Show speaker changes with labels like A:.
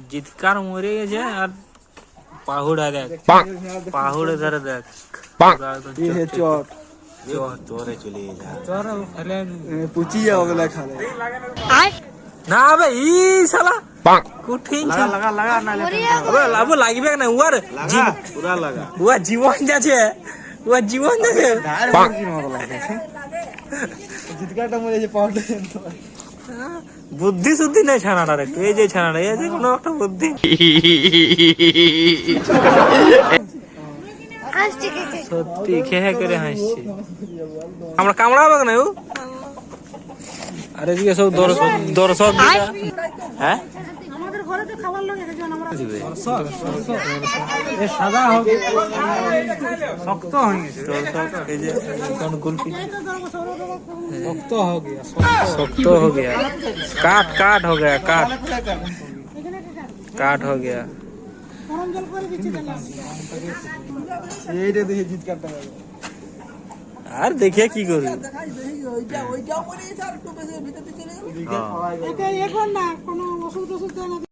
A: জিতকার মরে গেছে আর পাহুড়া দেখ পাহুড়ে ধরে দেখ
B: চর
C: চরে চলে যা
A: চর ফেলে
B: পুচি যাও গেলা খালে
A: না বে ই শালা কঠিন
C: লাগা লাগা না
A: আবে লাভ লাগবে না উয়ার
C: লাগা পুরা লাগা
A: উয়া জীবন যাচ্ছে উয়া জীবন যাচ্ছে
B: কি মতো লাগছে জিতকাটা মরে যে পাউডার
A: বুদ্ধি শুদ্ধি নাই ছানাটার একটু এই যে ছানাটা এই যে কোনো একটা বুদ্ধি সত্যি খেয়ে করে হাসছে আমরা কামড়াবো না ও আর এদিকে সব দর্শক হ্যাঁ
D: আমাদের ঘরে তো খাবার লাগে একজন আমরা
A: এ সাদা হবে শক্ত হয়ে গেছে দর্শক এই যে কোন গুলপি শক্ত हो गया শক্ত हो गया काट हो गया काट हो गया
D: গরম জল করে দিচ্ছি তাহলে
B: এইটা দেখে জিতকাটা
A: আর দেখে কি করবি
D: এটা এখন না কোনো ওষুধ না